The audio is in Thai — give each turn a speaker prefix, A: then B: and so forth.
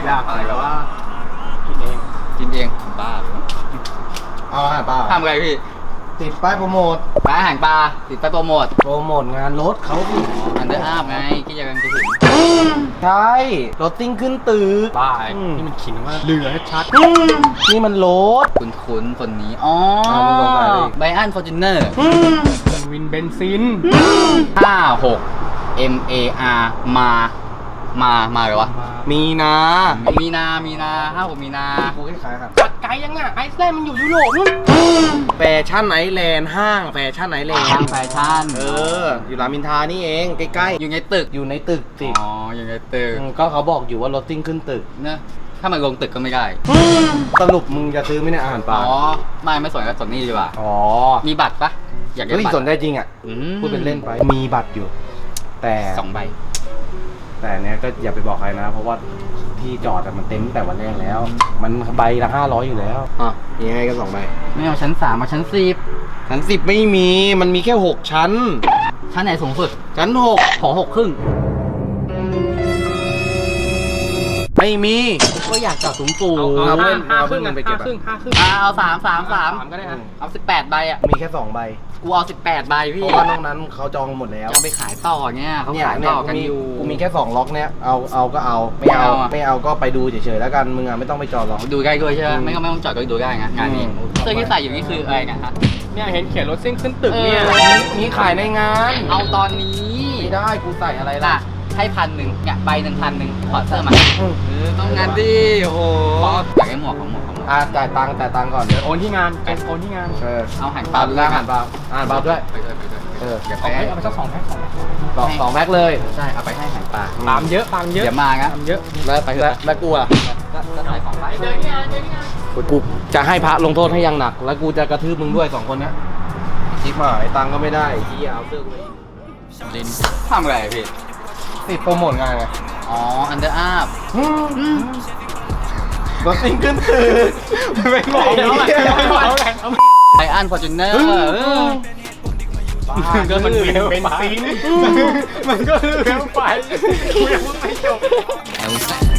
A: อยากอะไรแบบว่ากินเองบ้า
B: เอาอาหารปลา
A: ทำอะไรพี่
B: ติดป้ายโปรโมท
A: ร้านอาหารปลาติดไปโปรโมท
B: งานรถเขาสิ
A: อันเดอร์อาร์ไงที่จะกำลังจะถึง
B: ใช่รถติ้งขึ้นตึก
A: บ้านี่มันขิงว่าเรือชัด
B: นี่มันรถ
A: คุ้นคนนี้อ๋อไบอันฟอร์จูเนอร์วินเบนซิน56 MAR มาเลยวะ
B: มีนา
A: 56มีนา
B: กูคล้ายๆครับ
A: ปัดไกลยังอ่ะไอซ์แลนด์มันอยู่ยุโรปนู่น
B: แฟชั่นไอแลนด์ห้างแฟชั่นไอแลนด์
A: แฟชั่น
B: อยู่รามอินทรานี่เองใกล้ๆ
A: อยู่ในตึก
B: สิ
A: อ๋ออยู่ในตึก
B: ก็เขาบอกอยู่ว่ารถติ้งขึ้นตึก
A: เนอะถ้ามันลงตึกก็ไม่ได้
B: สรุปมึงจะซื้อไหมเนี่ยอาหารปลา
A: อ๋อไม่สนก็สนนี่ดีกว่า
B: อ๋อ
A: มีบัตรปะอยากได้บัตร
B: สนใจจริงอ่ะพูดเป็นเล่นไปมีบัตรอยู่แต่
A: 2 ใบ
B: แต่เนี้ยก็อย่าไปบอกใครนะเพราะว่าที่จอดมันเต็มแต่วันแรกแล้วมันใบละ500อยู่แล้วยังไงก็2 ใบ
A: ไม่เอาชั้น3มาชั้น10
B: ไม่มีมันมีแค่6ชั้น
A: ไหนสูงสุด
B: ชั้น6
A: ขอ6 ครึ่ง
B: ไม่มี
A: ก็อยากจอดสูง
B: เอาเล่นเอาเพิ่งไปเก็บ
A: เอา3ก็ได้เอา18 ใบอ่ะ
B: มีแค่2 ใบ
A: กูเอา18 ใบพี่
B: เพราะว่านอกนั้นเขาจองหมดแล้ว
A: จะไปขายต่อเงี้ยเขาขายต่อกันอยู่
B: กูมีแค่2 ล็อกเนี้ยเอาก็เอาไม่เอาก็ไปดูเฉยๆแล้วกันมึงไม่ต้องไปจอดหรอก
A: ดูใกล้ด้วยใช่ไหมไม่ต้องจอดก็ดูได้ไงงานนี้เสื้อที่ใส่อยู่นี่คืออะไรนะฮะ
C: เนี่ยเห็นเขียนรถซิ่งขึ้นตึกเนี่ย
B: มีขายในงาน
A: เอาตอนนี้
B: ไม่ได้กูใส่อะไรล่ะ
A: ให้1,000เนี่ยใบ1,000ถอดเสื้อมาต้องงานดิโอ้โหอยากให้หมวกของ
B: จ่ายตังค์ก่อน
C: เดี๋ยวโอนที่งาน
A: เอาหัน
B: ปลาด้วยหันปลาด้วย
A: เดี๋ยว
C: เอาไปสัก2 แพ็ค
B: 2 แพ็คเลย
A: ใช่เอาไปให้หันปลา
C: ตามเยอะ
A: เดี๋ยวมาครับ
C: เยอะ
B: แล้วกูอ่ะ
A: ก็ใส่ของไป
C: เดินที่งาน
B: กูจะให้พระลงโทษให้ยังหนักแล้วกูจะกระทืบมึงด้วย2 คนนี้ชิบหายตังก็ไม่ได้ที่เอาเสื้อกูไป
A: ดินทำอะไรพี่
B: ติดโปรโมทงานไง
A: อ๋ออันเดอร์อาร์
B: รถติ้งขึ้นตึก
C: ไม่บอก
A: ไบอันฟอร์จูเนอร์
C: ก็มันเป็นซีนมันก็เรื่องไปกูยังไม่จบ